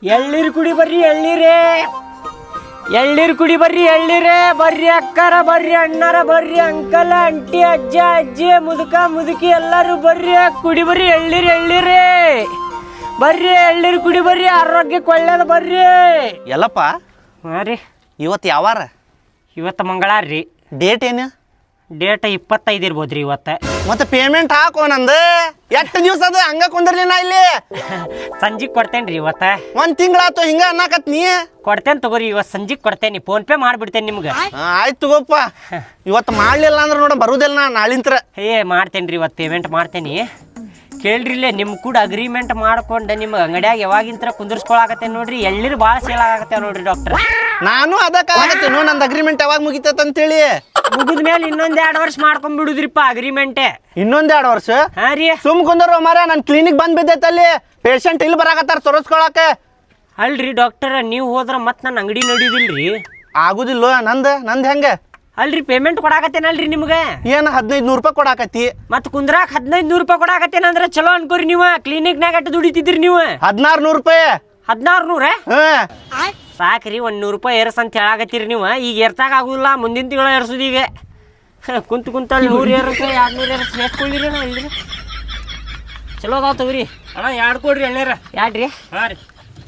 ಎಳ್ಳೀರು ಕುಡಿ ಬರ್ರಿ ಎಳ್ಳೀರೇ, ಎಳ್ಳೀರು ಕುಡಿ ಬರ್ರಿ ಎಳ್ಳೀರೇ. ಬರ್ರಿ ಅಕ್ಕರ, ಬರ್ರಿ ಅಣ್ಣರ, ಬರ್ರಿ ಅಂಕಲ್ ಅಂಟಿ, ಅಜ್ಜ ಅಜ್ಜಿ, ಮುದುಕ ಮುದುಕಿ ಎಲ್ಲರೂ ಬರ್ರಿ ಕುಡಿ ಬರ್ರಿ ಎಳ್ಳೀರು ಎಳ್ಳೀರೇ. ಬರ್ರಿ ಎಳ್ಳೀರು ಕುಡಿ ಬರ್ರಿ, ಆರೋಗ್ಯಕ್ಕೆ ಒಳ್ಳೇದು ಬರ್ರಿ. ಎಲ್ಲಪ್ಪ ಹಾಂ ರೀ, ಇವತ್ತು ಯಾವಾರ? ಇವತ್ತು ಮಂಗಳವಾರ ರೀ. ಡೇಟ್ ಏನು? ಡೇಟ್ 25 ಇರ್ಬೋದು ರೀ ಇವತ್ತು. ಮತ್ತೆ ಪೇಮೆಂಟ್ ಹಾಕೋ ನಂದು. ಎಷ್ಟು ದಿವಸ ಅದು ಹಂಗ ಕುಂದಿರ್ಲಿ ನಾ ಇಲ್ಲಿ? ಸಂಜೆಗೆ ಕೊಡ್ತೇನೆ ರೀ ಇವತ್ತು. ಒಂದು ತಿಂಗಳಾತು ಹಿಂಗ ಅನ್ನಕತ್ ನೀ. ಕೊಡ್ತೇನೆ ತಗೋರಿ, ಇವತ್ತು ಸಂಜೆಗೆ ಕೊಡ್ತೇನೆ. ಫೋನ್ ಪೇ ಮಾಡಿಬಿಡ್ತೇನೆ ನಿಮ್ಗೆ. ಆಯ್ತು ತಗೋಪ್ಪ. ಇವತ್ತು ಮಾಡ್ಲಿಲ್ಲ ಅಂದ್ರೆ ನೋಡ ಬರುದಿಲ್ಲ ನಾ ನಾಳಿಂತ್ರ. ಮಾಡ್ತೇನೆ ರೀ ಇವತ್ತು ಪೇಮೆಂಟ್ ಮಾಡ್ತೇನೆ. ಕೇಳ್ರಿ ಇಲ್ಲೇ ನಿಮ್ಮ ಕೂಡ ಅಗ್ರಿಮೆಂಟ್ ಮಾಡ್ಕೊಂಡು ನಿಮ್ಮ ಅಂಗಡಿಯಾಗ ಯಾವಾಗಿಂತರ ಕುಂದಿರ್ಸ್ಕೊಳಕತ್ತೆ ನೋಡ್ರಿ. ಎಳ್ಳೀರು ಭಾಳ ಸೇಲ್ ಆಗತ್ತೆ ನೋಡ್ರಿ ಡಾಕ್ಟರ್. ನಾನು ಅದಕ್ಕೆ ನಂದು ಅಗ್ರಿಮೆಂಟ್ ಯಾವಾಗ ಮುಗಿತೈತೆ ಅಂತೇಳಿ. ಮುಗಿದ ಮೇಲೆ ಇನ್ನೊಂದು 2 ವರ್ಷ ಮಾಡ್ಕೊಂಡ್ಬಿಡುದ್ರಿಪ್ಪ ಅಗ್ರಿಮೆಂಟೇ. ಇನ್ನೊಂದು 2 ವರ್ಷ? ಹಾಂ ರೀ. ಸುಮ್ ಕುಂದ್ರ ಮಾರ, ನನ್ನ ಕ್ಲಿನಿಕ್ ಬಂದ್ ಬಿದ್ದೈತೆ ಅಲ್ಲಿ. ಪೇಷಂಟ್ ಇಲ್ಲಿ ಬರಾಕತ್ತಾರ ತೋರಿಸ್ಕೊಳಕ. ಅಲ್ರಿ ಡಾಕ್ಟರ್, ನೀವು ಹೋದ್ರ ಮತ್ತೆ ನನ್ನ ಅಂಗಡಿ ನಡೀದಿಲ್ರಿ. ಆಗುದಿಲ್ಲ. ನಂದು ಹೆಂಗೆ? ಅಲ್ರಿ ಪೇಮೆಂಟ್ ಕೊಡಾಕತ್ತೇನಲ್ರಿ ನಿಮ್ಗೆ. ಏನು 1500 ರೂಪಾಯಿ ಕೊಡಾಕತ್ತಿ? ಮತ್ತೆ ಕುಂದ್ರಾಕ 1500 ರೂಪಾಯಿ ಕೊಡಾಕತ್ತೇನಂದ್ರೆ ಚಲೋ ಅನ್ಕೋರಿ. ನೀವು ಕ್ಲಿನಿಕ್ನಾಗ ಅಟ್ಟು ದುಡಿತಿದ್ರಿ ನೀವು. 1600 ರೂಪಾಯಿ. 1600? ಹ್ಮ್ ಸಾಕ್ರಿ, 100 ರೂಪಾಯಿ ಏರ್ಸ್ ಅಂತ ಹೇಳಾಕತ್ತೀರಿ ನೀವು. ಈಗ ಏರ್ಸಾಕ ಆಗುದಿಲ್ಲ, ಮುಂದಿನ ತಿಂಗಳ ಏರ್ಸುದು. ಈಗ ಕುಂತಲ್ಲಿ 100 ಏರ್ಸ 200 ಏರ್ಸ್ ಹೇಳ್ಕೊಳ್ಳಿರಿ. ನಾ ಇಲ್ರಿ ಚಲೋ ಅದಾವ ತಗೋರಿ. ಅಣ್ಣ 2 ಕೊಡ್ರಿ ಎಣ್ಣೀರ. 2 ರೀ? ಹಾಂ ರೀ.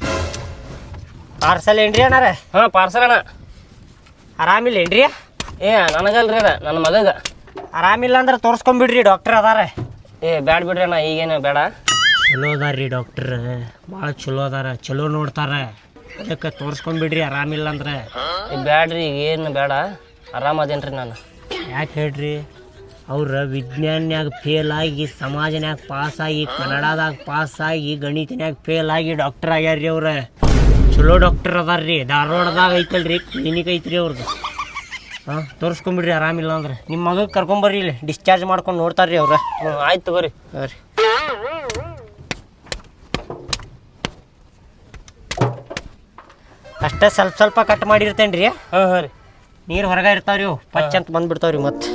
ಪಾರ್ಸಲ್ ಏನ್ರಿ ಅಣ್ಣಾರ? ಹಾಂ ಪಾರ್ಸಲ್ ಅಣ್ಣ. ಆರಾಮಿಲ್ಲ ಏನ್ರಿ? ನನಗಲ್ರಿ ಅದ, ನನ್ನ ಮಗಗ. ಆರಾಮಿಲ್ಲ ಅಂದ್ರೆ ತೋರಿಸ್ಕೊಂಬಿಡ್ರಿ, ಡಾಕ್ಟರ್ ಅದಾರ. ಬ್ಯಾಡ ಬಿಡ್ರಿ ಅಣ್ಣ, ಈಗೇನು ಬೇಡ. ಚಲೋ ಅದಾರ್ರಿ ಡಾಕ್ಟ್ರ್, ಭಾಳ ಚಲೋ ಅದಾರ, ಚಲೋ ನೋಡ್ತಾರೆ. ಅದಕ್ಕೆ ತೋರಿಸ್ಕೊಂಬಿಡ್ರಿ ಆರಾಮಿಲ್ಲ ಅಂದ್ರೆ. ಬ್ಯಾಡ್ರಿ, ಈಗ ಏನು ಬೇಡ, ಆರಾಮದೇನ್ರಿ ನಾನು. ಯಾಕೆ ಹೇಳ್ರಿ? ಅವ್ರ ವಿಜ್ಞಾನ್ಯಾಗ ಫೇಲ್ ಆಗಿ, ಸಮಾಜನ್ಯಾಗ ಪಾಸಾಗಿ, ಕನ್ನಡದಾಗ ಪಾಸಾಗಿ, ಗಣಿತನ್ಯಾಗ ಫೇಲ್ ಆಗಿ ಡಾಕ್ಟರ್ ಆಗ್ಯಾರ್ರಿ ಅವ್ರ. ಚಲೋ ಡಾಕ್ಟರ್ ಅದಾರ್ರಿ. ಧಾರವಾಡದಾಗ ಐತಲ್ರಿ ಕ್ಲಿನಿಕ್ ಐತ್ರಿ ಅವ್ರದ್ದು. ಹಾಂ ತೋರಿಸ್ಕೊಂಬಿಡ್ರಿ ಆರಾಮಿಲ್ಲ ಅಂದ್ರೆ. ನಿಮ್ಮ ಮಗಗೆ ಕರ್ಕೊಂಬರ್ರಿ, ಇಲ್ಲಿ ಡಿಸ್ಚಾರ್ಜ್ ಮಾಡ್ಕೊಂಡು ನೋಡ್ತಾರ್ರಿ ಅವ್ರ. ಆಯ್ತು ತಗೋರಿ. ಹಾಂ ರೀ. ಅಷ್ಟೇ ಸ್ವಲ್ಪ ಕಟ್ ಮಾಡಿರ್ತೇನೆ ರೀ. ಹಾಂ ರೀ. ನೀರು ಹೊರಗೆ ಇರ್ತಾವ್ರಿ, ಅವು ಪಚ್ ಅಂತ ಬಂದ್ಬಿಡ್ತಾವ್ರಿ. ಮತ್ತೆ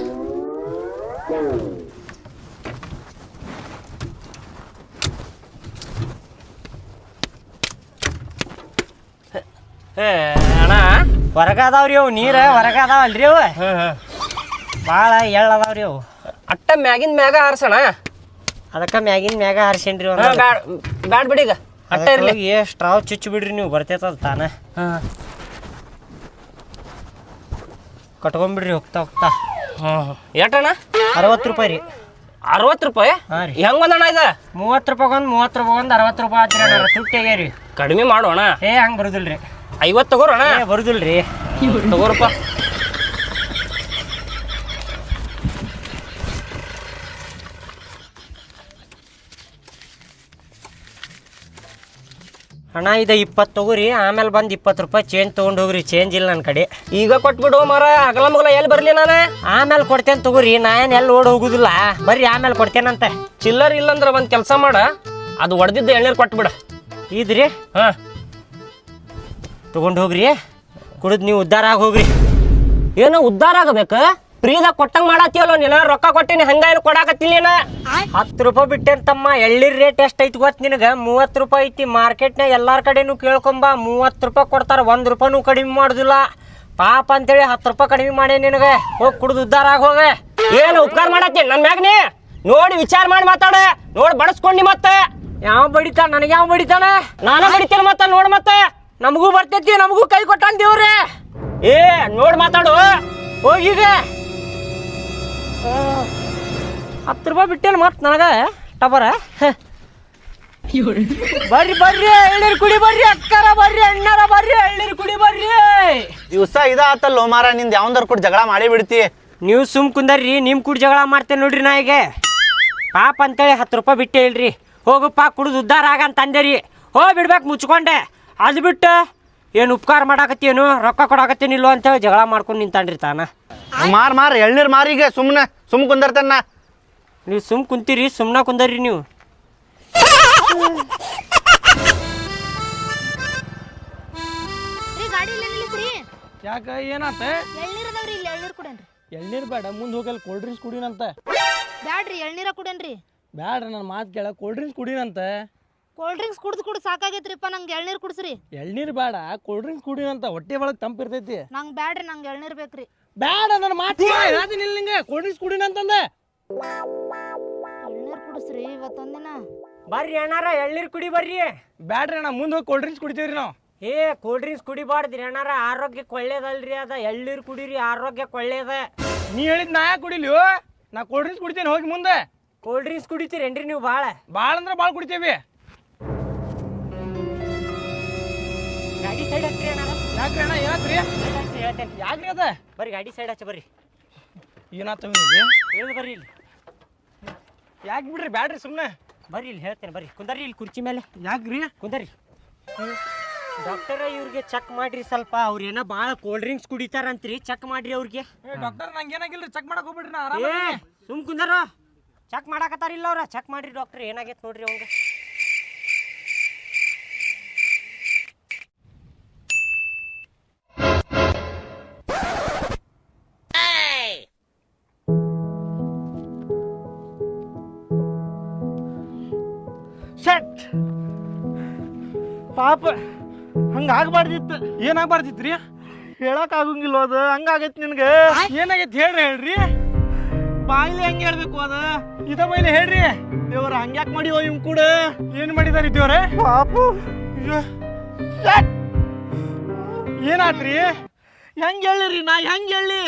ಅಣ್ಣ ಹೊರಗೆ ಅದಾವ್ರಿ ಅವು, ನೀರು ಹೊರಗೆ ಅದಾವಲ್ರಿ ಅವು. ಭಾಳ ಎಳ್ಳು ಅದಾವ್ರಿ ಅವು. ಅಟ್ಟ ಮ್ಯಾಗಿನ ಮ್ಯಾಗ ಹಾರ್ಸಣ. ಅದಕ್ಕೆ ಮ್ಯಾಗಿನ ಮ್ಯಾಗ ಹಾರಿಸೇನ್ರಿ. ಬ್ಯಾಡ ಬಿಡಿ, ಈಗ ಅಟ್ಟ ಇರಲಿ. ಸ್ಟ್ರಾವ್ ಚುಚ್ಚು ಬಿಡ್ರಿ, ನೀವು ಬರ್ತೈತದ ತಾನ. ಕಟ್ಕೊಂಡ್ಬಿಡ್ರಿ ಹೋಗ್ತಾ. ಎಷ್ಟಣ್ಣ? 60 ರೂಪಾಯಿ ರೀ. 60 ರೂಪಾಯಿ? ಹಾಂ ರೀ. ಹೆಂಗೆ ಒಂದಣ್ಣ ಇದು? 30 ರೂಪಾಯಿ ಒಂದು 60 ರೂಪಾಯಿ ಆತ್ರಿ ಅಣ್ಣ. ತುಟ್ಟಿಗ್ಯಾರಿ. ಕಡಿಮೆ ಮಾಡೋಣ. ಹಂಗೆ ಬರುದಿಲ್ರಿ. 50 ತಗೋರೋಣ. ಬರುದಿಲ್ರಿ. ತಗೋರಪ್ಪ. ಅಣ್ಣ ಇದು 20 ತಗೋರಿ, ಆಮೇಲೆ ಬಂದು 20 ರೂಪಾಯಿ ಚೇಂಜ್ ತೊಗೊಂಡು ಹೋಗ್ರಿ. ಚೇಂಜ್ ಇಲ್ಲ ನನ್ನ ಕಡೆ. ಈಗ ಕೊಟ್ಬಿಡು ಮರ, ಅಗಲ ಮಗಲ ಎಲ್ಲಿ ಬರಲಿ ನಾನು. ಆಮೇಲೆ ಕೊಡ್ತೇನೆ ತಗೋರಿ, ನಾ ಏನು ಎಲ್ಲಿ ಓಡಿ ಹೋಗುದಿಲ್ಲ. ಬರ್ರಿ ಆಮೇಲೆ ಕೊಡ್ತೇನಂತೆ. ಚಿಲ್ಲರ್ ಇಲ್ಲಂದ್ರೆ ಒಂದು ಕೆಲಸ ಮಾಡ, ಅದು ಒಡೆದಿದ್ದ ಎಣ್ಣೀರು ಕೊಟ್ಬಿಡ. ಇದ್ರಿ? ಹಾಂ ತೊಗೊಂಡು ಹೋಗ್ರಿ, ಕುಡಿದು ನೀವು ಉದ್ಧಾರ ಆಗಿ ಹೋಗ್ರಿ. ಏನೋ ಉದ್ಧಾರ ಆಗಬೇಕು? ಫ್ರೀದಾಗ ಕೊಟ್ಟಂಗೆ ಮಾಡತ್ತೀವಲ್ಲ ನೀನು. ರೊಕ್ಕ ಕೊಟ್ಟಿನಿ, ಹಂಗ ಏನು ಕೊಡಾಕತ್ತಿಲ್ಲ ನೀನು. 10 ರೂಪಾಯಿ ಬಿಟ್ಟೇನು ತಮ್ಮ. ಎಳ್ಳೀರ್ ರೇಟ್ ಎಷ್ಟು ಐತಿ ಗೊತ್ತು ನಿನಗೆ? 30 ರೂಪಾಯಿ ಐತಿ. ಮಾರ್ಕೆಟ್ನಾಗ ಎಲ್ಲಾರ ಕಡೆನೂ ಕೇಳ್ಕೊಂಬ, 30 ರೂಪಾಯಿ ಕೊಡ್ತಾರೆ. 1 ರೂಪಾಯಿನೂ ಕಡಿಮೆ ಮಾಡೋದಿಲ್ಲ. ಪಾಪ ಅಂತೇಳಿ 10 ರೂಪಾಯಿ ಕಡಿಮೆ ಮಾಡಿ ನಿನಗೆ. ಹೋಗಿ ಕುಡಿದು ಉದ್ಧಾರ ಆಗಿ ಹೋಗ. ಏನು ಉಪಕಾರ ಮಾಡತ್ತೀನಿ ನನ್ನ ಮ್ಯಾಗ ನೀ? ನೋಡಿ ವಿಚಾರ ಮಾಡಿ ಮಾತಾಡ. ನೋಡಿ ಬಡಸ್ಕೊಂಡಿ ಮತ್ತೆ. ಯಾವ ಬಡಿತಾನ? ನನಗೆ ಯಾವ ಬಡಿತಾನ? ನಾನು ಬಡಿತೀನಿ ಮತ್ತೆ. ನೋಡಿ ಮತ್ತೆ ನಮಗೂ ಬರ್ತೈತಿ, ನಮಗೂ ಕೈ ಕೊಟ್ಟಾನ ದೇವ್ರೆ. ನೋಡಿ ಮಾತಾಡು. ಹೋಗೀಗ 10 ರೂಪಾಯಿ ಬಿಟ್ಟೇನು ಮತ್ತೆ ನನಗೆ ಟಬರ. ಬರ್ರಿ ಬರ್ರಿ ಎಳ್ಳೀರು ಕುಡಿ ಬರ್ರಿ ಅಕ್ಕರ, ಬರ್ರಿ ಅಣ್ಣರ, ಬರ್ರಿ ಎಳ್ಳೀರು ಕುಡಿ ಬರ್ರಿ. ದಿವಸ ಇದಾತಲ್ಲೋ ಮಾರ, ನಿಂದು ಯಾವಂದಾರು ಕೂಡ ಜಗಳ ಮಾಡೇ ಬಿಡ್ತಿ. ನೀವು ಸುಮ್ ಕುಂದರ್ರಿ, ನಿಮ್ಮ ಕೂಡ ಜಗಳ ಮಾಡ್ತೇನೆ ನೋಡ್ರಿ. ನಾ ಈಗ ಪಾಪ ಅಂತೇಳಿ 10 ರೂಪಾಯಿ ಬಿಟ್ಟೇ ಇಲ್ರಿ. ಹೋಗಪ್ಪ ಕುಡಿದು ಉದ್ಧಾರ ಆಗಂತ ಅಂದೇರಿ. ಹೋಗಿ ಬಿಡ್ಬೇಕು ಮುಚ್ಕೊಂಡೆ. ಅದು ಬಿಟ್ಟು ಏನು ಉಪಕಾರ ಮಾಡಾಕತ್ತೇನು, ರೊಕ್ಕ ಕೊಡಾಕತ್ತೇನಿಲ್ಲೋ ಅಂತೇಳಿ ಜಗಳ ಮಾಡ್ಕೊಂಡು ನಿಂತಾನ್ರಿ ತಾನ. ಮಾರ್ ಎಳ್ನೀರು ಮಾರಿಗೆ ಸುಮ್ ಕುಂದರ್ತೇನ. ನೀವು ಸುಮ್ ಕುಂತೀರಿ, ಸುಮ್ಮನೆ ಕುಂದರ್ರಿ ನೀವು. ಯಾಕ ಏನಾತ? ಎಳ್ನೀರದವ್ರಿ, ಇಲ್ಲಿ ಎಳ್ನೀರು ಕುಡೇನ್ರಿ. ಎಳ್ನೀರು ಬೇಡ, ಮುಂದೆ ಹೋಗಲ್ಲಿ ಕೋಲ್ಡ್ ಡ್ರಿಂಕ್ಸ್ ಕುಡಿನಂತ. ಬ್ಯಾಡ್ರಿ, ಎಳ್ನೀರ ಕುಡೇನ್ರಿ. ಬ್ಯಾಡ್ರಿ, ನನ್ನ ಮಾತು ಕೇಳ, ಕೋಲ್ಡ್ ಡ್ರಿಂಕ್ಸ್ ಕುಡಿನಂತ. ಕೋಲ್ಡ್ ಡ್ರಿಂಕ್ಸ್ ಕುಡ್ದು ಸಾಕಾಗೈತ್ರಿಪ್ಪ ನಂಗೆ ಎಳ್ನೀರು ಕುಡ್ಸ್ರಿ. ಎಳ್ನೀರು ಬೇಡ, ಕೋಲ್ಡ್ ಡ್ರಿಂಕ್ಸ್ ಕುಡಿ ಅಂತ ಹೊಟ್ಟೆ ಒಳಗೆ ತಂಪಿರ್ತೈತಿ. ನಂಗೆ ಬ್ಯಾಡ್ರಿ, ನಂಗೆ ಎಳ್ನೀರು ಬೇಕ್ರಿ. ಬೇಡ ನನ್ನ ಮಾತು ಹೇಳ್ತೀನಿ ಇಲ್ಲ ನಿಂಗೆ, ಕೋಲ್ಡ್ ಡ್ರಿಂಕ್ಸ್ ಕುಡಿನ ಅಂತಂದೆ. ಎಳ್ನೀರು ಕುಡಿಸ್ರಿ ಇವತ್ತೊಂದಿನ. ಬರ್ರಿ ಅಣ್ಣಾರ ಎಳ್ನೀರು ಕುಡಿ ಬರ್ರಿ. ಬ್ಯಾಡ್ರಿ ಅಣ್ಣ, ಮುಂದೆ ಹೋಗಿ ಕೋಲ್ಡ್ ಡ್ರಿಂಕ್ಸ್ ಕುಡಿತೀವ್ರಿ ನಾವು. ಏ ಕೋಲ್ಡ್ ಡ್ರಿಂಕ್ಸ್ ಕುಡಿಬಾರ್ದ್ರಿ ಅಣ್ಣಾರ, ಆರೋಗ್ಯಕ್ಕೆ ಒಳ್ಳೇದಲ್ರಿ ಅದ. ಎಳ್ನೀರು ಕುಡೀರಿ, ಆರೋಗ್ಯಕ್ಕೆ ಒಳ್ಳೇದ. ನೀ ಹೇಳಿದ್ ನಾ ಯಾಕೆ ಕುಡಿಲಿ? ನಾ ಕೋಲ್ಡ್ ಡ್ರಿಂಕ್ಸ್ ಕುಡಿತೀನಿ, ಹೋಗಿ ಮುಂದೆ. ಕೋಲ್ಡ್ ಡ್ರಿಂಕ್ಸ್ ಕುಡಿತೀರೇನ್ರಿ ನೀವು ಭಾಳ? ಭಾಳ ಅಂದ್ರೆ ಭಾಳ ಕುಡಿತೇವಿ. ಗಾಡಿ ಸೈಡ್ ಹಚ್ಚ್ರಿ ಅಣ್ಣಾರ. ಯಾಕ್ರಿ ಅಣ್ಣ, ಏನಾತ್ರಿ? ಹೇಳ್ತೇನೆ ಯಾಕ್ರಿ ಅದ? ಬರ್ರಿ ಗಾಡಿ ಸೈಡ್ ಹಚ್ಚ ಬರ್ರಿ. ಏನಾತವ ಹೇಳಿ ಬರ್ರಿ ಇಲ್ಲಿ. ಯಾಕೆ ಬಿಡ್ರಿ, ಬ್ಯಾಡ್ರಿ ಸುಮ್ಮನೆ ಬರ್ರಿ ಇಲ್ಲಿ ಹೇಳ್ತೇನೆ ಬರ್ರಿ. ಕುಂದರ್ರಿ ಇಲ್ಲಿ ಕುರ್ಚಿ ಮೇಲೆ ಯಾಕ್ರಿ? ಕುಂದರ್ರಿ. ಡಾಕ್ಟರ ಇವ್ರಿಗೆ ಚೆಕ್ ಮಾಡ್ರಿ ಸ್ವಲ್ಪ. ಅವ್ರೇನೋ ಭಾಳ ಕೋಲ್ಡ್ ಡ್ರಿಂಕ್ಸ್ ಕುಡಿತಾರಂತ್ರಿ, ಚೆಕ್ ಮಾಡ್ರಿ ಅವ್ರಿಗೆ. ಡಾಕ್ಟರ್ ನಂಗೆ ಏನಾಗಿಲ್ರಿ, ಚೆಕ್ ಮಾಡಕ್ ಹೋಗ್ಬಿಡ್ರಿ, ನಾ ಏ ಆರಾಮ. ಸುಮ್ ಕುಂದರ, ಚೆಕ್ ಮಾಡಾಕತ್ತಾರಿಲ್ಲ ಅವ್ರ. ಚೆಕ್ ಮಾಡ್ರಿ ಡಾಕ್ಟರ್, ಏನಾಗೈತೆ ನೋಡ್ರಿ ಅವಂಗ. ಶಟ್ ಪಾಪ ಹಂಗಾಗ್ಬಾರ್ದಿತ್ತು. ಏನಾಗ್ಬಾರ್ದಿತ್ರಿ? ಹೇಳಕ್ ಆಗಂಗಿಲ್ಲ ಅದು, ಹಂಗಾಗೈತಿ ನಿನ್ಗೆ. ಏನಾಗೈತಿ ಹೇಳ್ರಿ. ಬಾಯಿಲೆ ಹೆಂಗೆ ಹೇಳ್ಬೇಕು ಅದ? ಇದ ಮೇಲೆ ಹೇಳ್ರಿ. ದೇವ್ರ ಹಂಗ್ಯಾಕ್ ಮಾಡಿವೋ ಇವ್ ಕೂಡ? ಏನ್ ಮಾಡಿದಾರ ದೇವ್ರೆ? ಪಾಪು ಏನಾತ್ರಿ? ಹೆಂಗ್ ಹೇಳಿರಿ, ನಾ ಹೆಂಗ್ ಹೇಳಿ?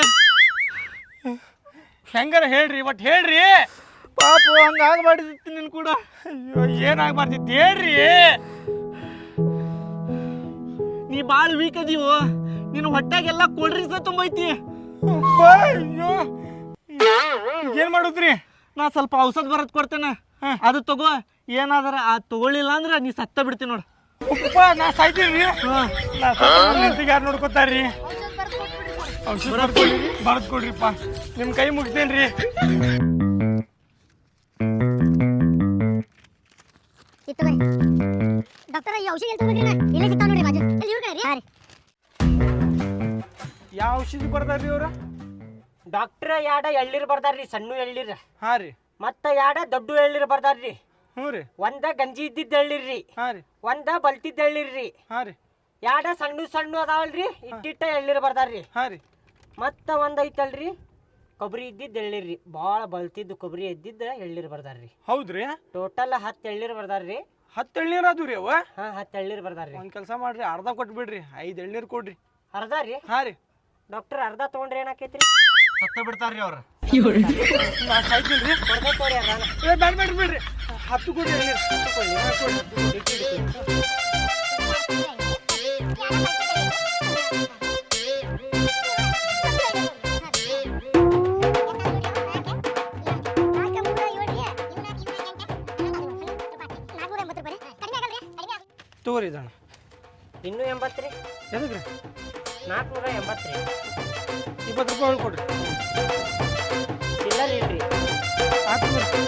ಹೆಂಗಾರ ಹೇಳ್ರಿ, ಒಟ್ ಹೇಳ್ರಿ. ಪಾಪು ಹಂಗಾಗ್ಬಾರ್ದಿತ್ತು ನಿನ್ ಕೂಡ. ಅಯ್ಯೋ, ಏನಾಗ್ಬಾರ್ದಿತ್ತು ಹೇಳ್ರಿ. ನೀ ಭಾಳ ವೀಕ್ ಅದೀವೋ, ನಿನ್ನ ಹೊಟ್ಟಾಗೆಲ್ಲ ಕೋಲ್ಡ್ ಡ್ರಿಂಕ್ಸ್ ತುಂಬೈತಿ. ಅಯ್ಯೋ, ಏನ್ ಮಾಡುದ್ರಿ? ನಾ ಸ್ವಲ್ಪ ಔಷಧ ಬರತ್ ಕೊಡ್ತೇನೆ, ಅದು ತಗೋ. ಏನಾದ್ರ ಆ ತಗೊಳ್ಳಿಲ್ಲ ಅಂದ್ರೆ ನೀ ಸತ್ತ ಬಿಡ್ತೀನಿ ನೋಡು. ನಾ ಸಾಯ್ತೀರಿ. ಯಾರು ನೋಡ್ಕೊತಾರ್ರಿ? ಔಷಧ ಬರ್ದ್ ಕೊಡ್ರಿಪ್ಪ, ನಿಮ್ ಕೈ ಮುಗಿತೇನ್ರಿ. ಡಾಕ್ಟರ್ ಈ ಔಷಧಿ ಎಲ್ಲಿ ತಗೊಂಡ್ರಿ? ಇಲ್ಲೇ ಸಿಗ್ತಾವ ನೋಡ್ರಿ ಬಾಜು. ಇಲ್ಲಿ ಇವ್ರ ಕಡೆ ರೀ. ಯಾವ ಔಷಧಿ ಬರ್ದಾರ್ರಿ ಅವ್ರ? ಡಾಕ್ಟ್ರ ಯಾಡ ಎಳ್ನೀರು ಬರ್ದಾರ್ರಿ, ಸಣ್ಣ ಎಳ್ನೀರು. ಹಾ ರೀ. ಮತ್ತ ಯಾಡ ದೊಡ್ಡ ಎಳ್ನೀರು ಬರ್ದಾರ್ರಿ. ಹ್ಞೂ ರೀ. ಒಂದ ಗಂಜಿ ಇದ್ದಿದ್ದ ಎಳ್ನೀರ್ರಿ, ಹಾ ರೀ. ಒಂದ ಬಲ್ತಿದ್ದ ಎಳ್ನೀರ್ರಿ. ಹಾ ರೀ. ಯಾಡ ಸಣ್ಣ ಸಣ್ಣ ಅದಾವಲ್ರಿ, ಇಟ್ಟಿಟ್ಟ ಎಳ್ನೀರು ಬರ್ದಾರ್ರಿ. ಹಾ ರೀ. ಮತ್ತ ಒಂದ್ ಐತಲ್ರಿ ಕೊಬ್ಬರಿ ಇದ್ದಿದ್ದ ಎಳ್ನೀರ್ರಿ, ಭಾಳ ಬಲ್ತಿದ್ದು ಕೊಬ್ಬರಿ ಇದ್ದಿದ್ದ ಎಳ್ನೀರು ಬರ್ದಾರ್ರಿ. ಹೌದ್ರಿ? ಟೋಟಲ್ 10 ಎಳ್ನೀರು ಬರ್ದಾರ್ರಿ. 10 ಎಳ್ನೀರು ಅದು ರೀ ಅವ? ಹಾ 10 ಎಳ್ನೀರು ಬರ್ದಾರ್ರಿ. ಒಂದ್ ಕೆಲಸ ಮಾಡ್ರಿ, ಅರ್ಧ ಕೊಟ್ಬಿಡ್ರಿ, 5 ಎಳ್ನೀರು ಕೊಡ್ರಿ. ಅರ್ಧ ರೀ? ಹಾ ರೀ. ಡಾಕ್ಟರ್ ಅರ್ಧ ತೊಗೊಂಡ್ರೆ ಏನಾಕೈತ್ರಿ? ಸತ್ತ ಬಿಡ್ತಾರ್ರಿ ಅವ್ರ. ನಾ ಸಾಯ್ತಿಲ್ರಿ. ಕೊಡ್ಬೇಕು ತೋರಿ ಅರ್ಧ. ಏ ಬ್ಯಾಡ ಬ್ಯಾಡ್ರಿ ಬಿಡ್ರಿ, 10 ಕೊಡ್ರಿ ಎಳ್ನೀರು. ತಗೋರಿ ಇದಣ್ಣ. ಇನ್ನೂ 80 ರೀ? ಎದಕ್ರಿ? 480 ರೀ. 20 ರೂಪಾಯಿ ಕೊಡ್ರಿ. ಚಿಲ್ಲರ್ ಇಲ್ರಿ. ಆಯ್ತು ತಗೋರಿ.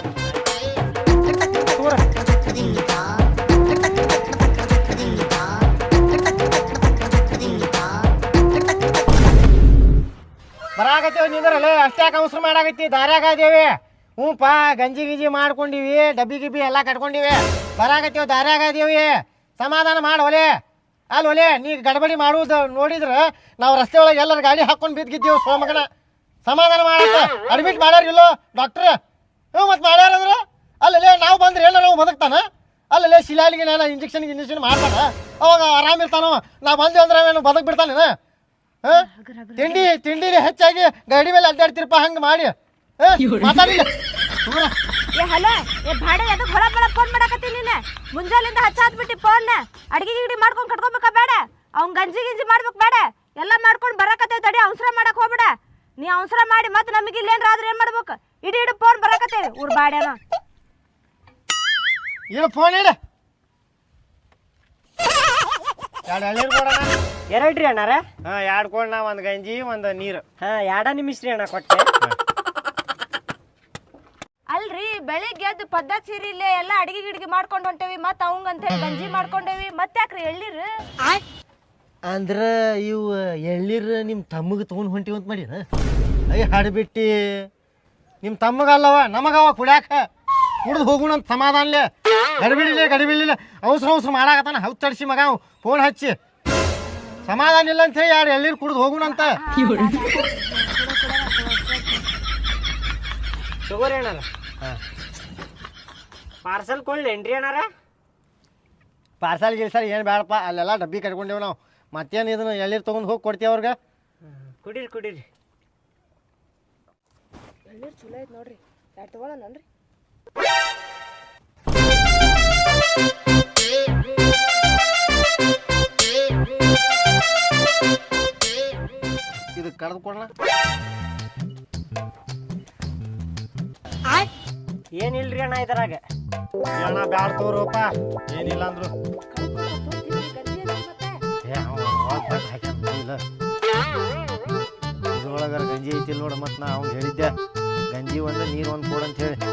ಬರಾಕತ್ತೇವ್ ನಿಂದ್ರಲ್ಲ, ಅಷ್ಟ್ಯಾಕೆ ಅವಸರ ಮಾಡಾಕತ್ತಿ? ದಾರ್ಯಾಗ ಅದೇವಿ. ಹ್ಞೂ ಪಾ, ಗಂಜಿ ಗಿಂಜಿ ಮಾಡ್ಕೊಂಡಿವಿ, ಡಬ್ಬಿ ಗಿಬ್ಬಿ ಎಲ್ಲ ಕಟ್ಕೊಂಡಿವಿ. ಬರಾಕತ್ತೇವ್, ದಾರ್ಯಾಗ ಅದೇವಿ. ಸಮಾಧಾನ ಮಾಡಿ ಒಲೆ. ಅಲ್ಲಿ ಒಲೆ, ನೀ ಗಡಬಡಿ ಮಾಡುವುದು ನೋಡಿದ್ರೆ ನಾವು ರಸ್ತೆ ಒಳಗೆ ಎಲ್ಲರ ಗಾಡಿ ಹಾಕೊಂಡು ಬಿದ್ದಿದ್ದೇವು ಸೋಮಗನ. ಸಮಾಧಾನ ಮಾಡತ್ತ. ಅಡ್ಮಿಟ್ ಮಾಡ್ಯಾರ ಇಲ್ಲೋ ಡಾಕ್ಟ್ರ್? ಹ್ಞೂ ಮತ್ತು ಮಾಡ್ಯಾರಂದ್ರೆ ಅಲ್ಲೇ ನಾವು ಬಂದ್ರೆ ಎಲ್ಲ ನಾವು ಬದುಕ್ತಾನ? ಅಲ್ಲೇ ಶಿಲಾಲಿಗೆ ನಾನು ಇಂಜೆಕ್ಷನ್ ಮಾಡ್ತಾನ, ಅವಾಗ ಆರಾಮಿರ್ತಾನೋ. ನಾವು ಬಂದ್ವಿ ಅಂದ್ರೆ ಅವನು ಬದುಕ್ ಬಿಡ್ತಾನೇನ? ತಿಂಡಿ ಹೆಚ್ಚಾಗಿ ಗಾಡಿ ಮೇಲೆ ಅಡ್ಡಾಡ್ತಿರಪ್ಪ, ಹಂಗೆ ಮಾಡಿ ಮಾತಾಡಿಲ್ಲ. ಏ ಹಲೋ, ಏ ಭಾಡೆ ಎದಕ್ಕೆ ಹೊಳ ಬಳ ಫೋನ್ ಮಾಡಾಕತ್ತಿ ನೀನು? ಮುಂಜಾಲಿಂದ ಹಚ್ಚಾತ್ಬಿಟ್ಟು ಫೋನ್. ಅಡ್ಗೆ ಗಿಡಿ ಮಾಡ್ಕೊಂಡು ಕಟ್ಕೊಬೇಕಾ ಬೇಡ? ಅವ್ನು ಗಂಜಿ ಗಿಂಜಿ ಮಾಡ್ಬೇಕು ಬೇಡ? ಎಲ್ಲ ಮಾಡ್ಕೊಂಡು ಬರಾಕತ್ತೇವೆ, ತಡಿ ಅವಸರ ಮಾಡಕ್ ಹೋಗ್ಬೇಡ. ನೀ ಅವಸರ ಮಾಡಿ ಮತ್ತೆ ನಮಗೆ ಇಲ್ಲೇನ್ರ ಆದ್ರೆ ಏನು ಮಾಡ್ಬೇಕು? ಇಡೀ ಫೋನ್ ಬರಾಕತ್ತೇವೆ ಊರ್ ಬಾಡ್ಯಾನ. ಏನು ಫೋನ್ ಇಡ? 2 ಎಳ್ನೀರು ಕೊಡೋಣ. 2 ರೀ ಅಣ್ಣಾರ? ಹಾಂ 2 ಕೊಡೋಣ, 1 ಗಂಜಿ 1 ನೀರು. ಹಾಂ 2 ನಿಮಿಷ ರೀ ಅಣ್ಣ ಕೊಟ್ಟೆ. ಅಲ್ರಿ ಬೆಳಿಗ್ಗೆ ಎದ್ದು ಪದ್ಧತಿ ಸೀರಿ ಇಲ್ಲೇ ಎಲ್ಲ ಅಡಿಗೆ ಗಿಡಿಗೆ ಮಾಡ್ಕೊಂಡು ಹೊಂಟೇವಿ, ಮತ್ತೆ ಅವಂಗಂತ ಹೇಳಿ ಗಂಜಿ ಮಾಡ್ಕೊಂಡೇವಿ, ಮತ್ತೆ ಯಾಕ್ರಿ ಎಳ್ಳೀರು? ಅಂದ್ರೆ ಇವು ಎಳ್ನೀರು ನಿಮ್ಮ ತಮ್ಮಗೆ ತೊಗೊಂಡು ಹೊಂಟಿವಿ ಅಂತ ಮಾಡಿನ? ಅಯ್ಯ ಹಾಡ್ಬಿಟ್ಟು ನಿಮ್ಮ ತಮ್ಮಗಲ್ಲವ, ನಮಗವ ಕುಡ್ಯಾಕ. ಕುಡ್ದು ಹೋಗೋಣ ಅಂತ ಸಮಾಧಾನಲೆ ಗಡಿಬಿಡಿಲ್ಲ ಅವಸರ ಮಾಡಾಕತ್ತಾನ ಹೌದು ತಡ್ಸಿ ಮಗ ಫೋನ್ ಹಚ್ಚಿ ಸಮಾಧಾನ ಇಲ್ಲ ಅಂತ ಹೇಳಿ ಯಾರು ಎಳ್ಳೀರು ಕುಡ್ದು ಹೋಗೋಣ ಅಂತ ತಗೋರಿ ಅಣ್ಣಾರ ಪಾರ್ಸಲ್ ಕೊಳ್ಳೇನ್ರಿ ಅಣ್ಣಾರ ಪಾರ್ಸಲ್ ಗಿಲ್ಸಲ್ ಏನು ಬೇಡಪ್ಪ ಅಲ್ಲೆಲ್ಲ ಡಬ್ಬಿ ಕಟ್ಕೊಂಡೇವು ನಾವು ಮತ್ತೇನು ಇದನ್ನು ಎಳ್ಳೀರು ತೊಗೊಂಡು ಹೋಗಿ ಕೊಡ್ತೀವಿ ಅವ್ರಿಗೆ ಕುಡೀರಿ ಎಳ್ಳೀರು ಚಲೋ ಐತೆ ನೋಡ್ರಿ ಯಾರು ತಗೊಳ್ಳೋಣನ್ರಿ ಇದು ಕಡ್ದು ಕೊಡೋಣ ಏನಿಲ್ರಿ ಅಣ್ಣ ಇದ್ರಾಗ ಅಣ್ಣ ಬ್ಯಾಡ ತೋರಪ್ಪ ಏನಿಲ್ಲ ಅಂದ್ರು ಇದ್ರೊಳಗಾರ ಗಂಜಿ ಐತಿಲ್ಲ ನೋಡ ಮತ್ತು ನಾ ಅವ್ನು ಹೇಳಿದ್ದೆ ಗಂಜಿ ಒಂದು ನೀರು ಒಂದು ಕೊಡು ಅಂತ ಹೇಳಿ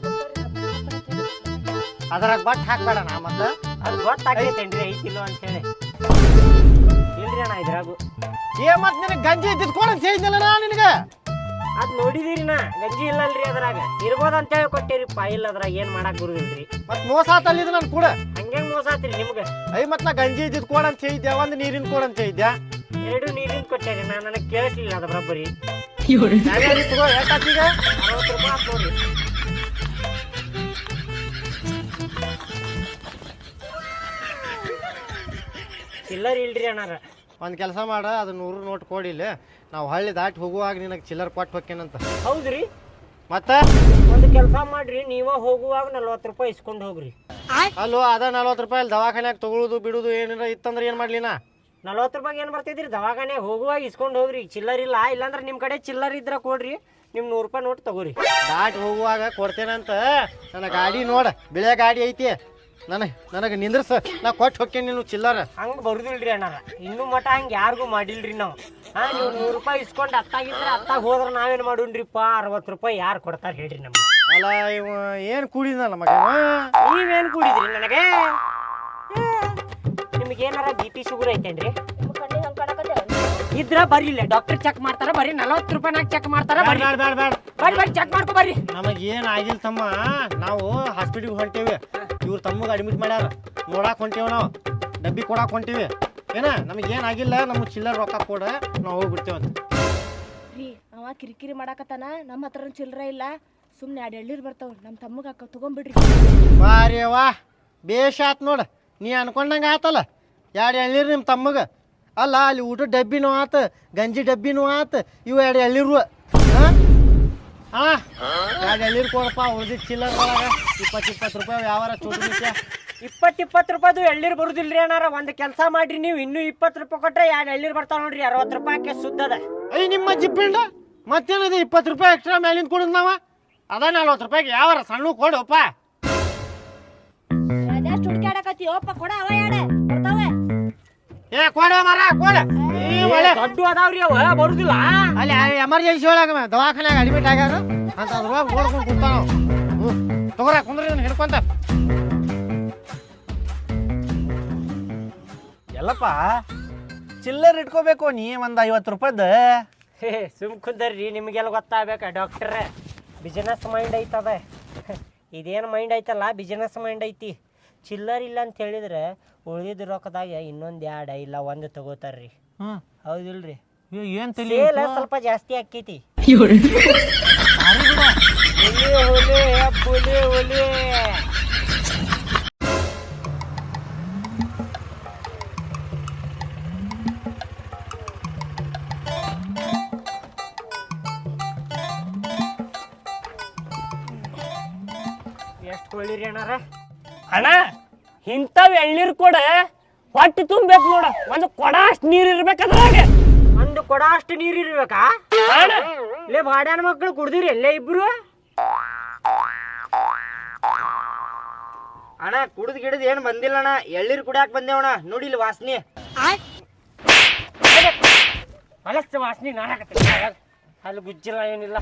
ಅದ್ರಾಗ ಬಟ್ ಹಾಕ್ಬೇಡ ನಾ ಮತ್ತೆ ಅದು ಗೊತ್ತಾಗೈತೇನ್ರಿ ಐತಿಲ್ಲೋ ಅಂತೇಳಿ ಇಲ್ರಿ ಅಣ್ಣ ಇದ್ರಾಗು ಮತ್ತೆ ನಿನಗೆ ಗಂಜಿ ಇದ್ದಿದ್ದು ಕೊಡು ಅಂತ ಹೇಳಿದ್ನಲ್ಲ ನಾ ನಿನಗೆ ಅದ್ ನೋಡಿದಿರಿ ನಾ ಗಂಜಿ ಇಲ್ಲಲ್ರಿ ಅದ್ರಾಗ ಇರ್ಬೋದ ಅಂತೇಳಿ ಕೊಟ್ಟಿರಿಪ್ಪ ಇಲ್ಲ ಅದ್ರಾಗ ಏನ್ ಮಾಡಕ್ ಬರುದಿಲ್ರಿ ಮತ್ತೆ ಮೋಸ ಆತಲ್ಲಿದ್ದು ನಾನು ಕೂಡ ಹಂಗೆ ಮೋಸ ಆತ್ರಿ ನಿಮ್ಗೆ ಮತ್ತೆ ನಾ ಗಂಜಿ ಇದ್ದಿದ್ದು ಕೊಡು ಅಂತ ಹೇಳಿದ್ದೆ ಒಂದು ನೀರಿನ ಕೊಡು ಅಂತ ಹೇಳಿದ್ದೆ ಎರಡು ನೀರಿನ ಕೊಟ್ಟೇರಿ ನಾ ನನಗೆ ಕೇಳಿಸ್ಲಿಲ್ಲ ಅದ ಬರೋಬ್ಬರಿ ತಗೋ ಯಾಕೀಗ 60 ರೂಪಾಯಿ ಆತ್ ನೋಡ್ರಿ ಚಿಲ್ಲರ್ ಇಲ್ರಿ ಅಣ್ಣಾರ ಒಂದು ಕೆಲಸ ಮಾಡ ಅದು 100 ನೋಟ್ ಕೊಡಿಲ್ಲ ನಾವು ಹಳ್ಳಿ ದಾಟಿ ಹೋಗುವಾಗ ನಿನಗೆ ಚಿಲ್ಲರ್ ಕೊಟ್ಟು ಹೋಗ್ತೇನಂತ ಹೌದ್ರಿ ಮತ್ತೆ ಒಂದು ಕೆಲಸ ಮಾಡ್ರಿ ನೀವ ಹೋಗುವಾಗ 40 ರೂಪಾಯಿ ಇಸ್ಕೊಂಡು ಹೋಗ್ರಿ ಅಲ್ಲೋ ಅದ 40 ರೂಪಾಯಿ ಅಲ್ಲಿ ದವಾಖಾನ್ಯಾಗ ತಗೊಳುದು ಬಿಡುದು ಏನಾರ ಇತ್ತಂದ್ರೆ ಏನು ಮಾಡ್ಲಿ ನಾ 40 ರೂಪಾಯಿ ಏನು ಬರ್ತೈತ್ರಿ ದವಾಖಾನೆ ಹೋಗುವಾಗ ಇಸ್ಕೊಂಡು ಹೋಗ್ರಿ ಚಿಲ್ಲರ್ ಇಲ್ಲ ಇಲ್ಲಾಂದ್ರೆ ನಿಮ್ಮ ಕಡೆ ಚಿಲ್ಲರ್ ಇದ್ರ ಕೊಡ್ರಿ ನಿಮ್ 100 ರೂಪಾಯಿ ನೋಟ್ ತಗೋರಿ ದಾಟಿ ಹೋಗುವಾಗ ಕೊಡ್ತೇನಂತ ನನ್ನ ಗಾಡಿ ನೋಡ ಬಿಳೆ ಗಾಡಿ ಐತಿ ನನಗೆ ನಿಂದ್ರಸ ನಾ ಕೊಟ್ಟು ಹೋಗ್ತೇನೆ ನೀನು ಚಿಲ್ಲರ ಹಂಗೆ ಬರುದಿಲ್ರಿ ಅಣ್ಣಾರ ಇನ್ನೂ ಮಟ ಹಂಗೆ ಯಾರಿಗೂ ಮಾಡಿಲ್ರಿ ನಾವು ನೀವು 100 ರೂಪಾಯಿ ಇಸ್ಕೊಂಡು ಅತ್ತಾಗಿದ್ರೆ ಅತ್ತಾಗ ಹೋದ್ರೆ ನಾವೇನು ಮಾಡೋಣ್ರಿಪ್ಪ 60 ರೂಪಾಯಿ ಯಾರು ಕೊಡ್ತಾರೆ ಹೇಳ್ರಿ ನಮ್ಗೆ ಅಲ್ಲ ಇವ ಏನು ಕೂಡಿದ್ನಲ್ಲ ಮಗ ನೀವೇನು ಕುಡಿದ್ರಿ ನನಗೆ ನಿಮ್ಗೆ ಏನಾರ BP ಶುಗರ್ ಐತೇನ್ರಿ ಇದ್ರ ಬರ್ರಿಲ್ಲ ಡಾಕ್ಟರ್ ಚೆಕ್ ಮಾಡ್ತಾರ ಬರ್ರಿ 40 ರೂಪಾಯಿನಾಗ ಚೆಕ್ ಮಾಡ್ತಾರ ಬರ್ರಿ ಬರ್ರಿ ಚೆಕ್ ಮಾಡ್ಕೊ ಬರ್ರಿ ನಮಗೆ ಏನು ಆಗಿಲ್ಲ ತಮ್ಮ ನಾವು ಹಾಸ್ಪಿಟ್ಲಿಗೆ ಹೊಂಟೇವಿ ಇವ್ರು ತಮ್ಮಗೆ ಅಡ್ಮಿಟ್ ಮಾಡ್ಯಾರ ನೋಡಾಕ್ ಹೊಂಟೇವಿ ನಾವು ಡಬ್ಬಿ ಕೊಡಾಕ್ ಹೊಂಟೀವಿ ಏನ ನಮಗೆ ಏನಾಗಿಲ್ಲ ನಮಗೆ ಚಿಲ್ಲರ್ ರೊಕ್ಕ ಕೊಡ ನಾವು ಹೋಗ್ಬಿಡ್ತೇವಂತ ರೀ ಅವ ಕಿರಿಕಿರಿ ಮಾಡಾಕತ್ತಾನ ನಮ್ಮ ಹತ್ರ ಚಿಲ್ಲರ ಇಲ್ಲ ಸುಮ್ಮನೆ 2 ಎಳ್ಳೀರು ಬರ್ತಾವ ನಮ್ಮ ತಮ್ಮಗ ತಗೊಂಡ್ಬಿಡ್ರಿ ಬಾರಿ ವಾ ಬೇಷ್ ಆತ್ ನೋಡ ನೀ ಅನ್ಕೊಂಡಂಗೆ ಆತಲ್ಲ 2 ಎಳ್ಳೀರು ನಿಮ್ಮ ತಮ್ಮಗೆ ಅಲ್ಲ ಅಲ್ಲಿ ಊಟ ಡಬ್ಬಿನೂ ಆತ ಗಂಜಿ ಡಬ್ಬಿನೂ ಆತ ಇವು 2 ಎಳ್ಳೀರು ಹಾಂ 2 ಎಳ್ಳೀರು ಕೊಡಪ್ಪ ಉಳ್ದಿದ್ದು ಚಿಲ್ಲರ್ ಒಳಗೆ 20 ರೂಪಾಯಿ ವ್ಯವಹಾರ ಚೋಟು ನಿತ್ಯ 20 ರೂಪಾಯಿದು ಎಳ್ಳೀರು ಬರುದಿಲ್ರಿ ಅಣ್ಣಾರ ಒಂದು ಕೆಲಸ ಮಾಡ್ರಿ ನೀವು ಇನ್ನೂ 20 ರೂಪಾಯಿ ಕೊಟ್ರೆ 2 ಎಳ್ಳೀರು ಬರ್ತಾವ ನೋಡ್ರಿ 60 ರೂಪಾಯಿಗೆ ಸುದ್ದದ ಅಯ್ಯ ನಿಮ್ಮ ಜಿಬ್ಬಿಂಡ ಮತ್ತೇನದು 20 ರೂಪಾಯಿ ಎಕ್ಸ್ಟ್ರಾ ಮೇಲಿಂದ ಕೊಡುದು ನಾವ ಅದ 40 ರೂಪಾಯಿಗೆ ಯಾವಾರ ಸಣ್ಣ ಕೊಡಪ್ಪ ಅದೆಷ್ಟು ಹುಡುಕಾಡಕತ್ತಿ ಓಪ್ಪ ಕೊಡ ಅವ ಯಾಡ ಬರ್ತಾವೆ ಏ ಕೊಡ ಮರ ಕೊಡ ದೊಡ್ಡ ಅದಾವ್ರಿ ಅವ ಬರುದಿಲ್ಲ ಅಲ್ಲಿ ಎಮರ್ಜೆನ್ಸಿ ಒಳಗೆ ದವಾಖಾನ್ಯಾಗ ಅಡ್ಮಿಟ್ ಆಗ್ಯಾರ ಅಂತ ಅದ್ರೊಳಗೆ ಓಡ್ಕೊಂಡು ಕುಂತಾನ ತಗೋರ ಕುಂದ್ರಿ ಹಿಡ್ಕೊಂತ ಎಲ್ಲಪ್ಪ ಚಿಲ್ಲರ್ ಇಟ್ಕೋಬೇಕು ನೀ ಒಂದು 50 ರೂಪಾಯ್ದು ಸುಮ್ ಕುಂದರ್ರಿ ನಿಮಗೆಲ್ಲ ಗೊತ್ತಾಗಬೇಕ ಡಾಕ್ಟ್ರ ಬಿಸಿನೆಸ್ ಮೈಂಡ್ ಐತದ ಇದೇನು ಮೈಂಡ್ ಐತಲ್ಲ ಬಿಸಿನೆಸ್ ಮೈಂಡ್ ಐತಿ ಚಿಲ್ಲರ್ ಇಲ್ಲ ಅಂತ ಹೇಳಿದ್ರೆ ಉಳಿದಿದ್ದ ರೊಕ್ಕದಾಗ ಇನ್ನೊಂದು 2 ಇಲ್ಲ 1 ತಗೋತಾರ್ರಿ ಹೌದಿಲ್ರಿ ಏನು ಸೇಲ್ ಸ್ವಲ್ಪ ಜಾಸ್ತಿ ಆಕ್ಕೈತಿ ಒಲೆ ಎಷ್ಟು ಕೊಳ್ಳಿರಿ ಅಣ್ಣಾರ ಅಣ್ಣ ಇಂಥವ್ ಎಳ್ನೀರು ಕೊಡ ಹೊಟ್ಟೆ ತುಂಬೇಕು ನೋಡ ಒಂದು ಕೊಡ ಅಷ್ಟು ನೀರು ಇರ್ಬೇಕಾದ್ರಾಗ ಒಂದು ಕೊಡ ಅಷ್ಟು ನೀರು ಇರ್ಬೇಕಾ ಇಲ್ಲೇ ಬಾಡ್ಯಾನ ಮಕ್ಕಳು ಕುಡ್ದಿರಿ ಎಲ್ಲೇ ಇಬ್ರು ಅಣ್ಣ ಕುಡ್ದು ಗಿಡದ್ ಏನು ಬಂದಿಲ್ಲ ಅಣ್ಣ ಎಳ್ನೀರು ಕುಡಿಯಾಕ ಬಂದೇವಣ್ಣ ನೋಡಿಲ್ಲ ವಾಸನೆ ಅಲಸ್ತ ವಾಸನೆ ನಾಡಕತ್ತಿ ಅಲ್ಲಿ ಗುಜ್ಜಿಲ್ಲ ಏನಿಲ್ಲ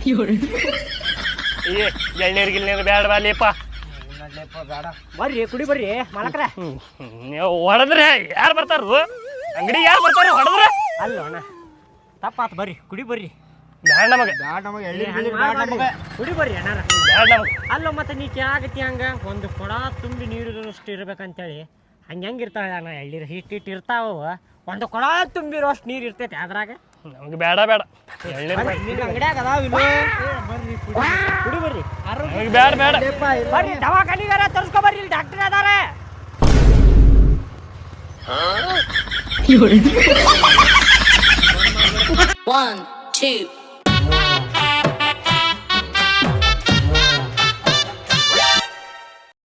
ಎಳ್ನೀರು ಗಿಳ್ನೀರು ಬೇಡ ಬಾಲಿಯಪ್ಪ ಬರ್ರಿ ಕುಡಿ ಬರ್ರಿ ಮಾಲಕ್ರ ಹೊಡೆದ್ರೆ ಯಾರು ಬರ್ತಾರು ಅಂಗಡಿ ಯಾರು ಬರ್ತಾರ ಹೊಡೆದ್ರೆ ಅಲ್ಲ ಅಣ್ಣ ತಪ್ಪಾತ್ ಬರ್ರಿ ಕುಡಿ ಬರ್ರಿ ಬ್ಯಾಡ ನಮಗೆ ಕುಡಿ ಬರ್ರಿ ಅಣ್ಣಾರ ಬ್ಯಾಡ ನಮಗೆ ಅಲ್ಲ ಮತ್ತೆ ನೀ ಕೇಳಾಗತ್ತಿ ಹಂಗ ಒಂದು ಕೊಡ ತುಂಬಿ ನೀರಿರೋಷ್ಟು ಇರ್ಬೇಕಂತೇಳಿ ಹೆಂಗಿರ್ತಾಳೆ ಅಣ್ಣ ಎಳ್ಳೀರು ಹಿಟ್ಟು ಇರ್ತಾವ ಒಂದು ಕೊಡ ತುಂಬಿರೋಷ್ಟು ನೀರು ಇರ್ತೈತೆ ಅದ್ರಾಗ ನಮಗೆ ಬೇಡ ಬೇಡ ಎಳ್ನೀರು ಬೇಡ. ನಿನ್ನ ಅಂಗಡ್ಯಾಗ ಅದಾವ ಇಲ್ಲೋ ಕುಡಿ ಬರ್ರಿ ನಮಗೆ ಬೇಡ ಬೇಡ ಬರ್ರಿ ದವಾಖಾನಿಗಾರ ತೋರಿಸ್ಕೊ ಬರ್ರಿ ಇಲ್ಲಿ ಡಾಕ್ಟರ್ ಅದಾರ One, two,